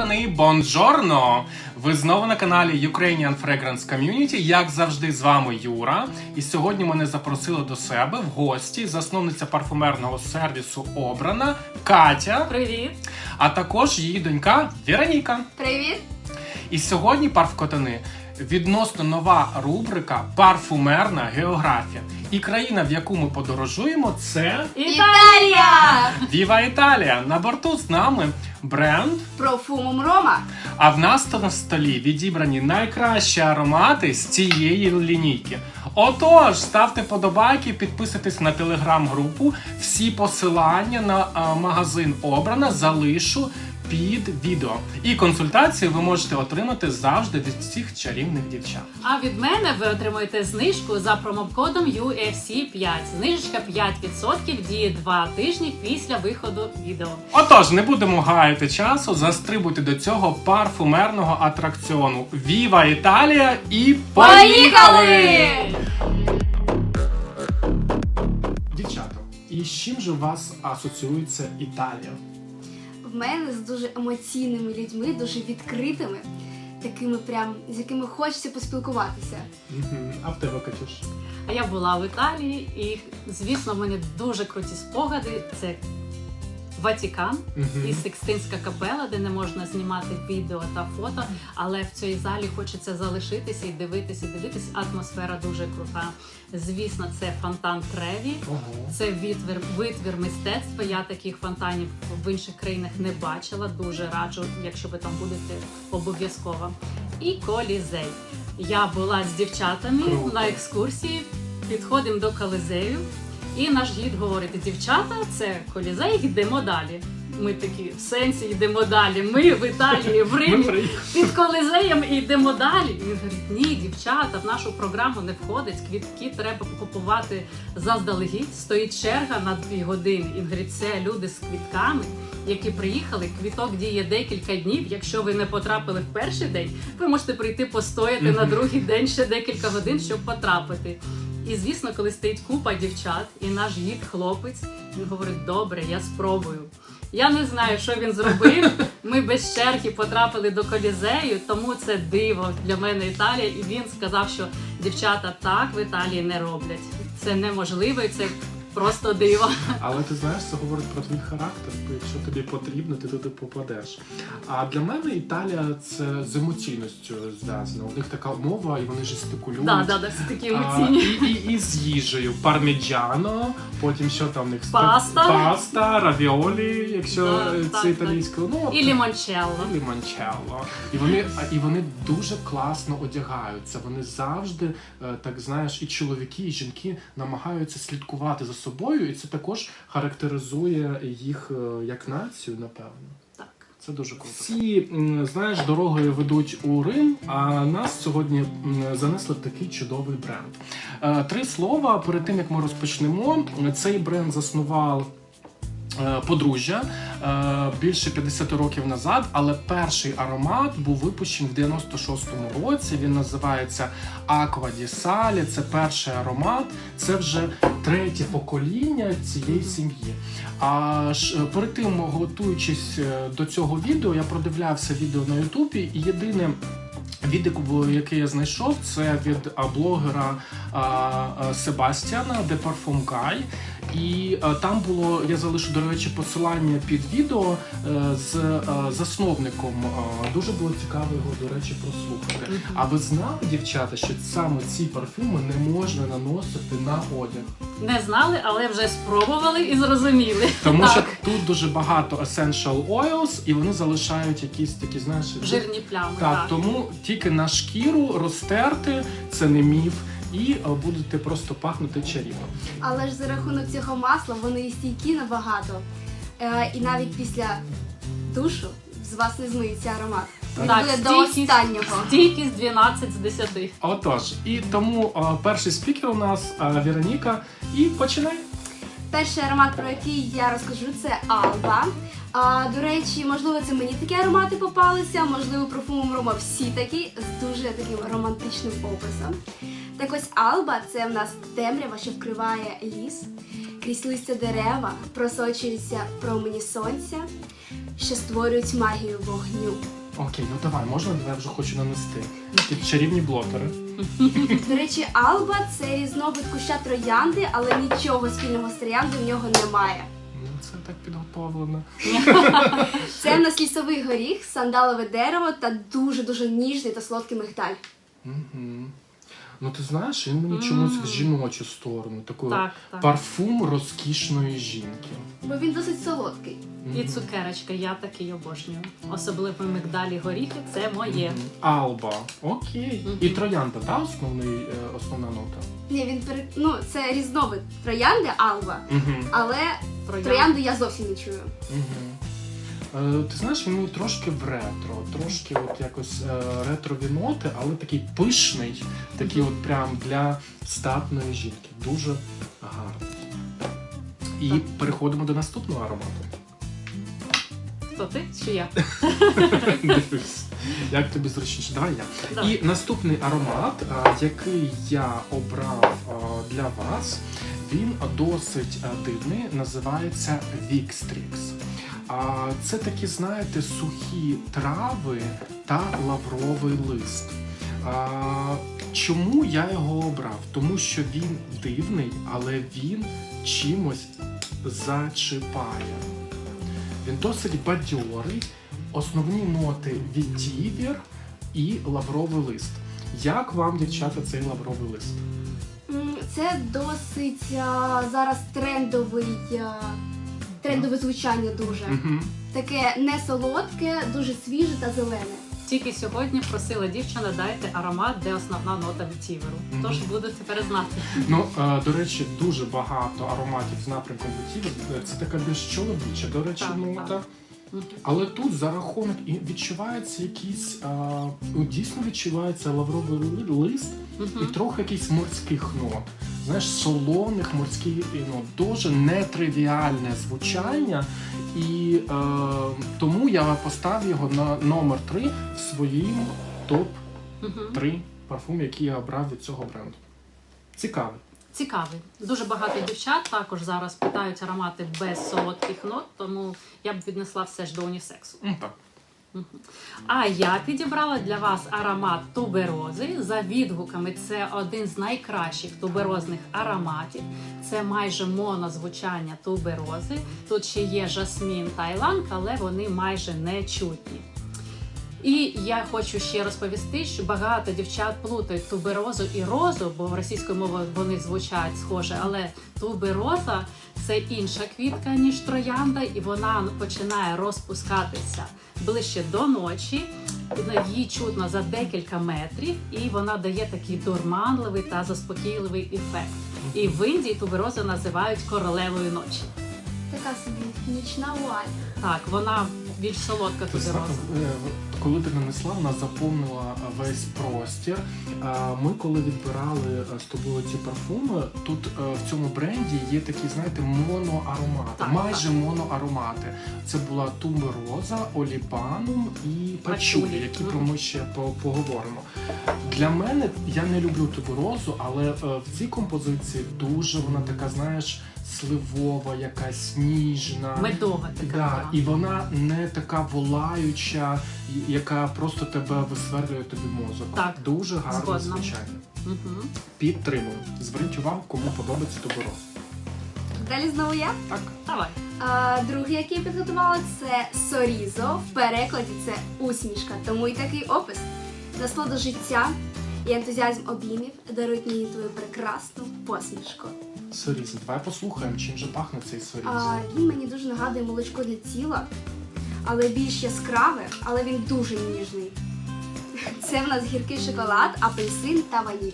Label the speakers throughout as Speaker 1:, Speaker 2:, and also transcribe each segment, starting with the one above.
Speaker 1: сторони бонджорно! Ви знову на каналі Ukrainian Fragrance Community. Як завжди, з вами Юра. І сьогодні мене запросили до себе в гості засновниця парфумерного сервісу Обрана Катя.
Speaker 2: Привіт!
Speaker 1: А також її донька Вероніка.
Speaker 3: Привіт!
Speaker 1: І сьогодні, парфкотани, відносно нова рубрика «Парфумерна географія». І країна, в яку ми подорожуємо, це
Speaker 3: Італія!
Speaker 1: Віва Італія. На борту з нами бренд.
Speaker 3: Профумум Рома.
Speaker 1: А в нас на столі відібрані найкращі аромати з цієї лінійки. Отож, ставте подобайки, підписуйтесь на телеграм-групу. Всі посилання на магазин Обрана залишу під відео. І консультації ви можете отримати завжди від цих чарівних дівчат.
Speaker 2: А від мене ви отримуєте знижку за промокодом UFC5. Знижечка 5% діє 2 тижні після виходу відео.
Speaker 1: Отож, не будемо гаяти часу, застрибуйте до цього парфумерного атракціону. Віва Італія і
Speaker 3: Поїхали!
Speaker 1: Дівчата, і з чим же у вас асоціюється Італія?
Speaker 3: В мене з дуже емоційними людьми, дуже відкритими, такими прям, з якими хочеться поспілкуватися.
Speaker 1: А в тебе, Катюш?
Speaker 2: А я була в Італії і, звісно, в мене дуже круті спогади. Це Ватикан і Сикстинська капела, де не можна знімати відео та фото, але в цій залі хочеться залишитися і дивитися. Атмосфера дуже крута. Звісно, це фонтан Треві. Це витвір мистецтва. Я таких фонтанів в інших країнах не бачила. Дуже раджу, якщо ви там будете, обов'язково. І Колізей. Я була з дівчатами на екскурсії. Підходимо до Колізею. І наш гід говорить: дівчата, це Колізей, йдемо далі. Ми такі, в сенсі йдемо далі. Ми в Італії, в Римі, під Колізеєм і йдемо далі. І він говорить: ні, дівчата, в нашу програму не входить, квітки треба купувати заздалегідь, стоїть черга на 2 години. І він говорить: це люди з квітками, які приїхали, квіток діє декілька днів. Якщо ви не потрапили в перший день, ви можете прийти постояти на другий день ще декілька годин, щоб потрапити. І, звісно, коли стоїть купа дівчат, і наш гід хлопець, він говорить: добре, я спробую. Я не знаю, що він зробив. Ми без черги потрапили до Колізею, тому це диво для мене Італія. І він сказав, що дівчата так в Італії не роблять. Це неможливо, і це просто диво.
Speaker 1: Але ти знаєш, це говорить про твій характер, бо якщо тобі потрібно, ти туди попадеш. А для мене Італія це з емоційністю зв'язано. У них така мова, і вони жестикулюють.
Speaker 2: Так, всі такі емоційні.
Speaker 1: І з їжею. Парміджано, потім що там у них?
Speaker 2: Паста,
Speaker 1: равіолі, якщо це італійською. Ну,
Speaker 2: і лімончелло.
Speaker 1: І вони дуже класно одягаються. Вони завжди, так знаєш, і чоловіки, і жінки намагаються слідкувати за собою, і це також характеризує їх як націю, напевно.
Speaker 2: Так.
Speaker 1: Це дуже круто. Всі, знаєш, дорогою ведуть у Рим, а нас сьогодні занесли в такий чудовий бренд. 3 слова перед тим, як ми розпочнемо. Цей бренд заснував подружжя більше 50 років назад, але перший аромат був випущений в 96-му році. Він називається Acqua di Sale. Це перший аромат. Це вже 3-те покоління цієї сім'ї. А перед тим, готуючись до цього відео, я продивлявся відео на Ютубі, і єдине відео, яке я знайшов, це від блогера Себастьяна de Parfum Guy. І там було, я залишу, до речі, посилання під відео з засновником. Дуже було цікаво його, до речі, прослухати. А ви знали, дівчата, що саме ці парфюми не можна наносити на одяг?
Speaker 2: Не знали, але вже спробували і зрозуміли.
Speaker 1: Тому що тут дуже багато essential oils, і вони залишають якісь такі, знаєш,
Speaker 2: жирні плями.
Speaker 1: Так, тому тільки на шкіру розтерти, це не міф, і будете просто пахнути чарівно.
Speaker 3: Але ж за рахунок цього масла вони і стійкі набагато. І навіть після душу з вас не змиється аромат. Він буде до останнього.
Speaker 2: Стійкість 12 з 10.
Speaker 1: Отож, і тому перший спікер у нас Вероніка. І починай.
Speaker 3: Перший аромат, про який я розкажу, це Alba. До речі, можливо, це мені такі аромати попалися, можливо, Парфумум Рома всі такі, з дуже таким романтичним описом. Так ось Alba – це в нас темрява, що вкриває ліс, крізь листя дерева, просочуються промені сонця. що створюють магію вогню.
Speaker 1: Окей, ну давай, можна? Давай, я вже хочу нанести. Ті чарівні блотери.
Speaker 3: До речі, алба – це різновид куща троянди, але нічого спільного з троянди в нього немає.
Speaker 1: Ну, це так підготовлено.
Speaker 3: Це в нас лісовий горіх, сандалове дерево та дуже-дуже ніжний та солодкий мигдаль.
Speaker 1: Угу. Ну ти знаєш, він мені чомусь в жіночу сторону, таку
Speaker 2: Так, так.
Speaker 1: парфум розкішної жінки.
Speaker 3: Бо він досить солодкий.
Speaker 2: І цукерочка, я такий обожнюю. Особливо мигдалі горіхи, це моє.
Speaker 1: Мгм. Алба. Окей.
Speaker 2: Мгм.
Speaker 1: І троянда, та основна нота?
Speaker 3: Ні, ну, це різновид троянди алба,
Speaker 1: Угу.
Speaker 3: але троянди я зовсім не чую.
Speaker 1: Угу. Ти знаєш, він мені трошки в ретро, трошки от якось ретрові ноти, але такий пишний, такий от прям для статної жінки. Дуже гарний. І переходимо до наступного аромату.
Speaker 2: Хто ти чи я?
Speaker 1: Дивись, як тобі зручніше. Давай я.
Speaker 2: Давай.
Speaker 1: І наступний аромат, який я обрав для вас, він досить дивний, називається Вікстрікс. Це такі, знаєте, сухі трави та лавровий лист. Чому я його обрав? Тому що він дивний, але він чимось зачіпає. Він досить бадьорий, основні ноти відівір і лавровий лист. Як вам, дівчата, цей лавровий лист?
Speaker 3: Це досить зараз трендове звучання дуже.
Speaker 1: Угу.
Speaker 3: Таке не солодке, дуже свіже та зелене.
Speaker 2: Тільки сьогодні просила дівчина, дайте аромат, де основна нота вітіверу.
Speaker 1: Мгм.
Speaker 2: Тож буду тепер знати.
Speaker 1: Ну, до речі, дуже багато ароматів з напрямком відтівер. Це така більш чоловіча, до речі,
Speaker 2: Так,
Speaker 1: нота.
Speaker 2: так.
Speaker 1: Але тут за рахунок і відчувається якийсь, дійсно відчувається лавровий лист і трохи якийсь морських нот. Знаєш, солоних морських нот. Дуже нетривіальне звучання. І тому я поставив його на номер 3 в своїм топ-3 парфум, який я обрав від цього бренду. Цікавий.
Speaker 2: Цікавий. Дуже багато дівчат також зараз питають аромати без солодких нот, тому я б віднесла все ж до унісексу.
Speaker 1: Так.
Speaker 2: А я підібрала для вас аромат туберози. За відгуками, це один з найкращих туберозних ароматів. Це майже монозвучання туберози. Тут ще є жасмін та іланг, але вони майже не чутні. І я хочу ще розповісти, що багато дівчат плутають туберозу і розу, бо російською мовою вони звучать схоже, але тубероза – це інша квітка, ніж троянда, і вона починає розпускатися ближче до ночі, її чутно за декілька метрів, і вона дає такий дурманливий та заспокійливий ефект. І в Індії туберозу називають королевою ночі.
Speaker 3: Така собі нічна вуаль.
Speaker 2: Так, вона більш солодка
Speaker 1: Ти
Speaker 2: тубероза.
Speaker 1: коли ти нанесла, вона заповнила весь простір. Ми коли відбирали з тобою ці парфуми, тут в цьому бренді є такі, знаєте, моноаромати,
Speaker 2: Так,
Speaker 1: майже моноаромати. Це була тубероза, оліпанум і пачулі,
Speaker 2: Пачулі.
Speaker 1: які про ми ще поговоримо. Для мене, я не люблю туберозу, але в цій композиції дуже вона така, знаєш, сливова, якась ніжна.
Speaker 2: Медова така.
Speaker 1: Да, і вона не така волаюча, яка просто тебе висверлює тобі мозок.
Speaker 2: Так,
Speaker 1: Дуже гарне
Speaker 2: згодна.
Speaker 1: звучання.
Speaker 2: Угу.
Speaker 1: Підтримую. Зверніть увагу, кому подобається тубероз.
Speaker 3: Далі знову я.
Speaker 1: Так.
Speaker 2: Давай.
Speaker 3: Другий, який я підготувала, це Сорізо. В перекладі це усмішка, тому і такий опис. Насолода життя і ентузіазм обіймів дарують мені твою прекрасну посмішку.
Speaker 1: Сорізо. Давай послухаємо, чим же пахне цей сорізо.
Speaker 3: Він мені дуже нагадує молочко для тіла, але більш яскраве, але він дуже ніжний. Це в нас гіркий шоколад, апельсин та ваніль.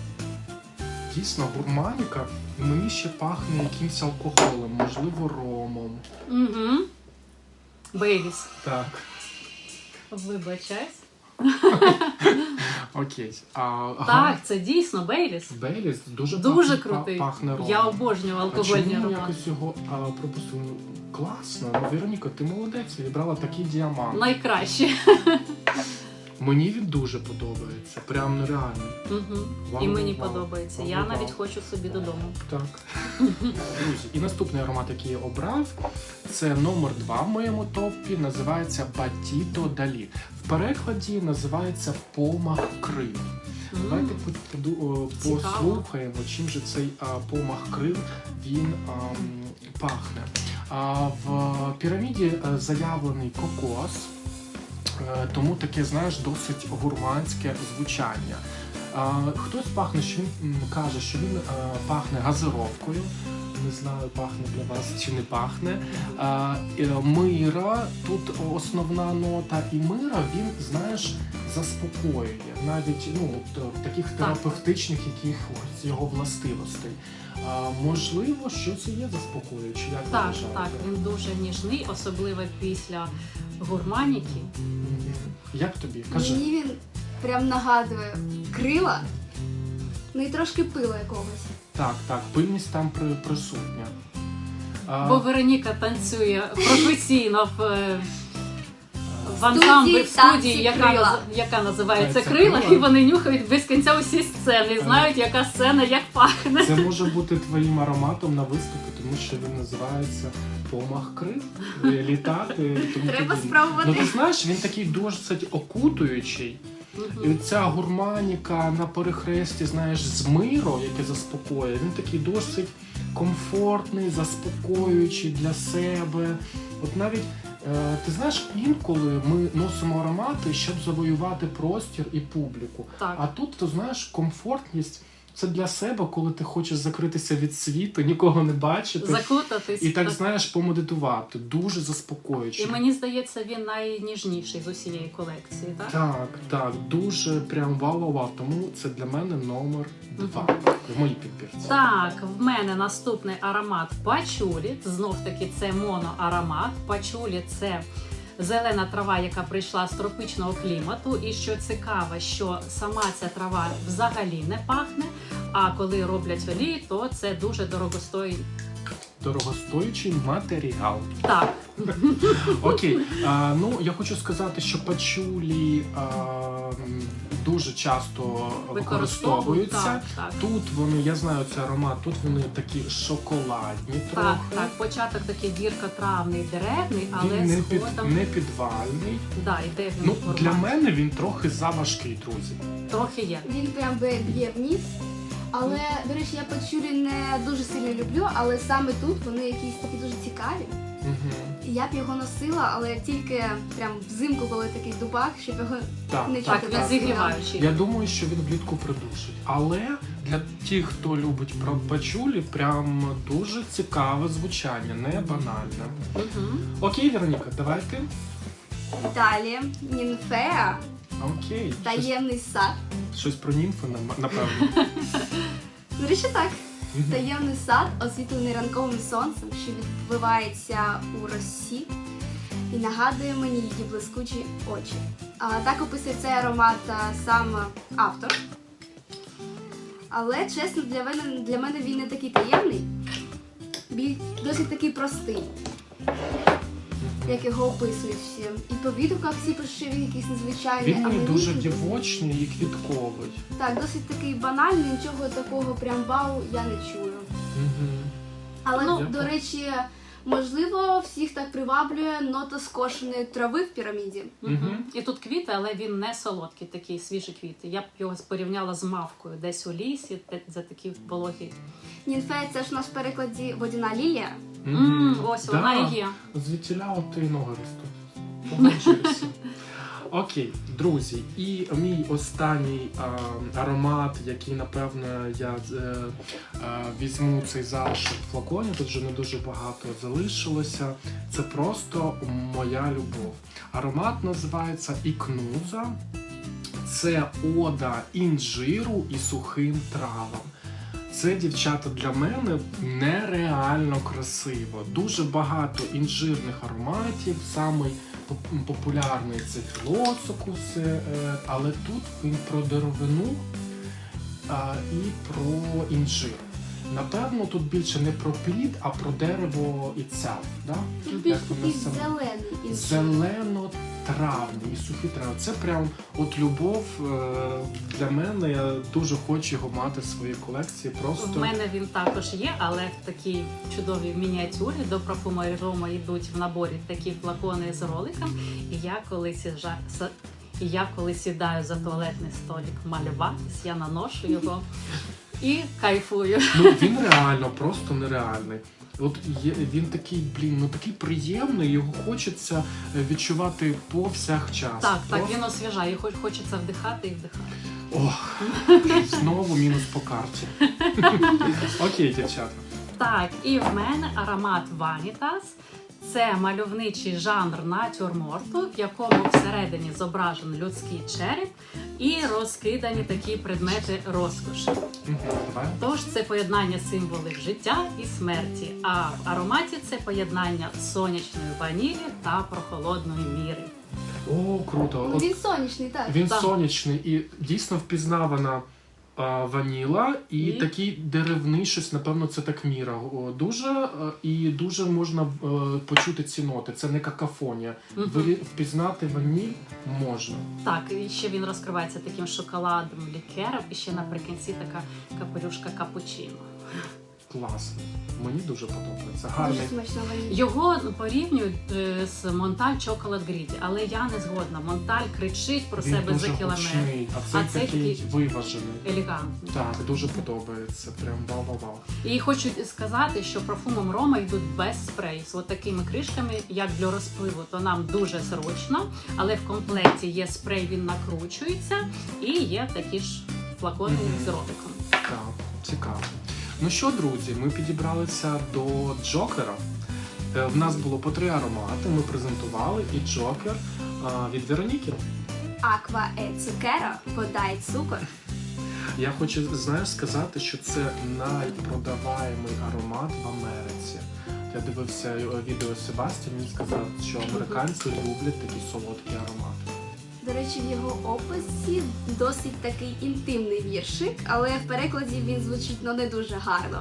Speaker 1: Дійсно, гурманіка. І мені ще пахне якимось алкоголем, можливо, ромом.
Speaker 2: Угу. Бейліс.
Speaker 1: Так.
Speaker 2: Вибачайся.
Speaker 1: Окей.
Speaker 2: Так, це дійсно Бейліс.
Speaker 1: Бейліс дуже,
Speaker 2: Дуже
Speaker 1: пахне,
Speaker 2: крутий.
Speaker 1: пахне ромом.
Speaker 2: Я обожнюю алкогольні
Speaker 1: А чому
Speaker 2: аромати.
Speaker 1: якось його пропустили? Класно. Ну, Вероніка, ти молодець, відбрала такий діамант.
Speaker 2: Найкраще.
Speaker 1: Мені він дуже подобається, прям нереально.
Speaker 2: Угу.
Speaker 1: Вау,
Speaker 2: І мені
Speaker 1: вау.
Speaker 2: подобається.
Speaker 1: Вау,
Speaker 2: Я
Speaker 1: вау.
Speaker 2: навіть хочу собі додому.
Speaker 1: Так. Друзі, і наступний аромат, який я обрав, це номер 2 в моєму топі, називається Батіто Далі. В перекладі називається Помах крил. Давайте
Speaker 2: Цікаво.
Speaker 1: послухаємо, чим же цей помах крил він пахне. В піраміді заявлений кокос, тому таке, знаєш, досить гурманське звучання. Хтось пахне, що він каже, що він пахне газировкою. Не знаю, пахне для вас чи не пахне. Мира, тут основна нота, і мира він, знаєш, заспокоює навіть в таких терапевтичних якихось його властивостей. Можливо, що це є заспокоююче, як ви
Speaker 2: Так,
Speaker 1: вважаєте?
Speaker 2: так, він дуже ніжний, особливо після гурманіки.
Speaker 1: Як тобі? Кажи.
Speaker 3: Мені він прям нагадує крила, ну і трошки пила якогось.
Speaker 1: Так, пильність там присутня.
Speaker 2: Бо Вероніка танцює професійно в ансамблі, в студії, яка називається «Крила», і вони нюхають без кінця усі сцени, і знають, яка сцена, як пахне.
Speaker 1: Це може бути твоїм ароматом на виступі, тому що він називається «Помах крил», літати. Тому
Speaker 3: Треба
Speaker 1: подібне.
Speaker 3: спробувати.
Speaker 1: Ну ти знаєш, він такий досить окутуючий. І ця гурманіка на перехресті, знаєш, з миро, яке заспокоює, він такий досить комфортний, заспокоюючий для себе. От навіть, ти знаєш, інколи ми носимо аромати, щоб завоювати простір і публіку.
Speaker 2: Так.
Speaker 1: А тут, ти знаєш, комфортність – це для себе, коли ти хочеш закритися від світу, нікого не бачити.
Speaker 2: Закутатись.
Speaker 1: І так, знаєш, помедитувати. Дуже заспокоюючи.
Speaker 2: І мені здається, він найніжніший з усієї колекції, так?
Speaker 1: Так, дуже прям вау-вау-вау. Тому це для мене номер 2 в моїй підбірці.
Speaker 2: Так, в мене наступний аромат пачулі. Знов-таки це моноаромат. Пачулі – це зелена трава, яка прийшла з тропічного клімату. І що цікаво, що сама ця трава взагалі не пахне, а коли роблять олії, то це дуже дорогостоїть.
Speaker 1: Дорогостоючий матеріал.
Speaker 2: Так.
Speaker 1: Окей. Я хочу сказати, що пачулі дуже часто використовуються.
Speaker 2: Так.
Speaker 1: Тут вони, я знаю цей аромат, тут вони такі шоколадні трохи.
Speaker 2: Так, початок такий гірко-травний, деревний, але
Speaker 1: Він
Speaker 2: згодом
Speaker 1: не підвальний.
Speaker 2: йде
Speaker 1: Ну,
Speaker 2: він
Speaker 1: для мене він трохи заважкий, друзі.
Speaker 2: трохи є.
Speaker 3: Він прям б'є вниз. Але, до речі, я пачулі не дуже сильно люблю, але саме тут вони якісь такі дуже цікаві. І я б його носила, але тільки прям взимку, коли такий дубак, щоб його
Speaker 1: Так,
Speaker 3: не чути.
Speaker 2: Так, він зігріваючий.
Speaker 1: Я думаю, що він влітку придушить. Але для тих, хто любить пачулі, прям дуже цікаве звучання, не банальне.
Speaker 2: Мгм.
Speaker 1: Окей, Вероніка, давайте.
Speaker 3: Далі німфея,
Speaker 1: Окей.
Speaker 3: таємний сад.
Speaker 1: Щось про німфи, напевно.
Speaker 3: До речі, так. Таємний сад, освітлений ранковим сонцем, що відбивається у росі і нагадує мені її блискучі очі. Так описує цей аромат сам автор. Але, чесно, для мене він не такий таємний, досить такий простий, як його описують всі. І по відгуках всі пишуть, що він якийсь незвичайний.
Speaker 1: Він
Speaker 3: а
Speaker 1: мені
Speaker 3: мені
Speaker 1: дуже дівочний і квітковий.
Speaker 3: Так, досить такий банальний, нічого такого прям вау я не чую. Але,
Speaker 1: Ну,
Speaker 3: до речі, можливо, всіх так приваблює нота скошеної трави в піраміді.
Speaker 2: Мгм. І тут квіти, але він не солодкий, такі свіжі квіти. Я б його порівняла з мавкою, десь у лісі, за такі вологі.
Speaker 3: Німфея – це ж у нас в перекладі водяна лілія.
Speaker 2: Ось вона і є.
Speaker 1: Звідтіля от і ноги ростуть. Погоджуюся. Окей, друзі, і мій останній аромат, який, напевно, я візьму цей залишок в флаконі, тут вже не дуже багато залишилося, це просто моя любов. Аромат називається Ікнуза. Це ода інжиру і сухим травам. Це, дівчата, для мене нереально красиво. Дуже багато інжирних ароматів, самий популярний це філосокус, але тут він про деревину і про інжир. Напевно, тут більше не про плід, а про дерево itself, да?
Speaker 3: Тут більш
Speaker 1: Як воно
Speaker 3: такий
Speaker 1: саме?
Speaker 3: зелений. і
Speaker 1: Зелено-травний і сухі трави. Це прям от любов для мене. Я дуже хочу його мати в своїй колекції.
Speaker 2: У
Speaker 1: Просто
Speaker 2: мене він також є, але в такій чудовій мініатюрі до парфумерії Рома йдуть в наборі такі флакони з роликом. І я коли сідаю за туалетний столик малюватись, я наношу його і кайфую.
Speaker 1: ну він реально просто нереальний. От він такий, такий приємний, його хочеться відчувати повсякчас.
Speaker 2: Так,
Speaker 1: Просто-
Speaker 2: він освіжає, хочеться вдихати і вдихати.
Speaker 1: Ох, знову мінус по карті. Окей, дівчата.
Speaker 2: Так, і в мене аромат Vanitas. Це мальовничий жанр натюрморту, в якому всередині зображений людський череп і розкидані такі предмети розкоші.
Speaker 1: Давай.
Speaker 2: Тож це поєднання символів життя і смерті, а в ароматі це поєднання сонячної ванілі та прохолодної міри.
Speaker 1: О, круто. От
Speaker 3: Він сонячний, так.
Speaker 1: він
Speaker 2: Так.
Speaker 1: сонячний і дійсно впізнавана ваніла і такий деревний щось, напевно, це так міра. Дуже і дуже можна почути ці ноти. Це не какафонія. Впізнати ваніль можна.
Speaker 2: Так, і ще він розкривається таким шоколадом, лікером, і ще наприкінці така капелюшка капучино.
Speaker 1: Класно. Мені дуже подобається. Гарний.
Speaker 3: Дуже смачно ваніль.
Speaker 2: Його порівнюють з Монталь Chocolate Greedy, але я не згодна. Монталь кричить про
Speaker 1: Він
Speaker 2: себе
Speaker 1: дуже
Speaker 2: за кілометр.
Speaker 1: гучний, а цей
Speaker 2: А цей
Speaker 1: такий
Speaker 2: такий
Speaker 1: виважений.
Speaker 2: Елегантний.
Speaker 1: Так, дуже подобається. Прям вау-вау-вау.
Speaker 2: І хочу сказати, що парфумом Рома йдуть без спрею, з такими кришками, як для розпливу, то нам дуже зручно, але в комплекті є спрей, він накручується, і є такі ж флакони з роликом.
Speaker 1: Так, цікаво. Ну що, друзі, ми підібралися до Джокера. В нас було по 3 аромати, ми презентували і Джокер від Вероніки.
Speaker 3: Аква е цукеро, вода і цукор.
Speaker 1: Я хочу, знаєш, сказати, що це найпродаваємий аромат в Америці. Я дивився відео Себастьян, він сказав, що американці люблять такі солодкі аромати.
Speaker 3: До речі, в його описі досить такий інтимний віршик, але в перекладі він звучить не дуже гарно.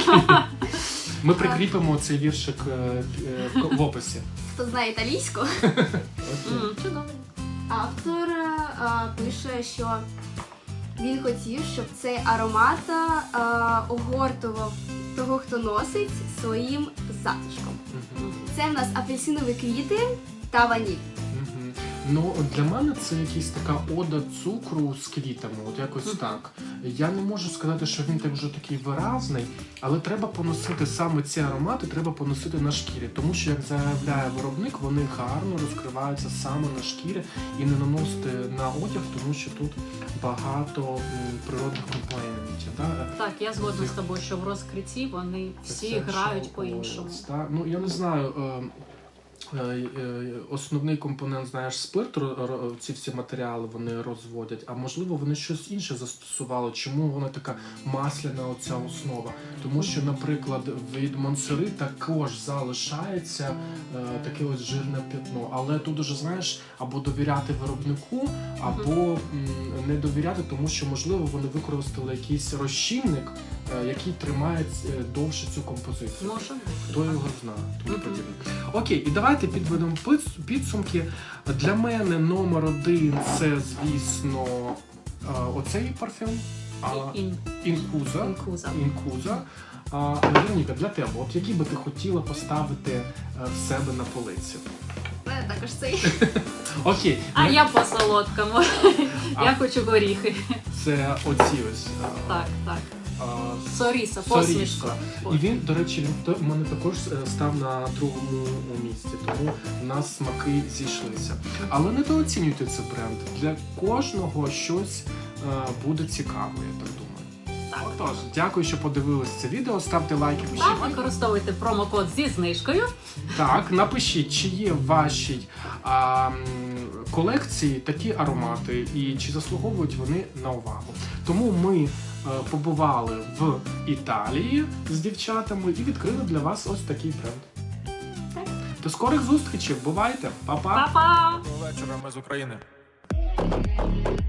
Speaker 1: Ми прикріпимо цей віршик в описі.
Speaker 3: Хто знає італійську?
Speaker 2: Чудово.
Speaker 3: Автор пише, що він хотів, щоб цей аромат огортував того, хто носить, своїм затишком. Це в нас апельсинові квіти та ваніль.
Speaker 1: Ну, для мене це якась така ода цукру з квітами, от якось так. Я не можу сказати, що він так вже такий виразний, але треба поносити саме ці аромати, треба поносити на шкірі, тому що, як заявляє виробник, вони гарно розкриваються саме на шкірі і не наносити на одяг, тому що тут багато природних компонентів.
Speaker 2: Так, я згодна з тобою, що в розкритті вони всі грають по-іншому.
Speaker 1: Ну, я не знаю, основний компонент, знаєш, спирт, ці всі матеріали вони розводять, а можливо вони щось інше застосували. Чому вона така масляна оця основа? Тому що, наприклад, від Монсери також залишається таке ось жирне пятно. Але тут уже, знаєш, або довіряти виробнику, або не довіряти, тому що, можливо, вони використали якийсь розчинник, який тримає довше цю композицію.
Speaker 2: Може бути.
Speaker 1: Хто його знає? Тому подібне. Окей, і давайте підведемо підсумки. Для мене номер 1 це, звісно, оцей парфюм. Інкуза. Інкуза. Вероніка, для тебе, от який би ти хотіла поставити в себе на полиці?
Speaker 3: Також цей.
Speaker 1: Окей.
Speaker 2: А я по солодкому. Я хочу горіхи.
Speaker 1: Це оці ось.
Speaker 2: Так.
Speaker 1: Соріса.
Speaker 2: Посмішка.
Speaker 1: І він, до речі, у мене також став на другому місці, тому в нас смаки зійшлися. Але недооцінюйте цей бренд. Для кожного щось буде цікаво, я так думаю.
Speaker 2: Так.
Speaker 1: Отож, дякую, що подивились це відео. Ставте лайки, пишіть.
Speaker 2: Так, використовуйте промокод зі знижкою.
Speaker 1: Так, напишіть, чи є в вашій колекції такі аромати і чи заслуговують вони на увагу. Тому ми побували в Італії з дівчатами і відкрили для вас ось такий бренд.
Speaker 2: Так.
Speaker 1: До скорих зустрічей, бувайте, па-па!
Speaker 2: Па-па!
Speaker 4: Доброго вечора, ми з України.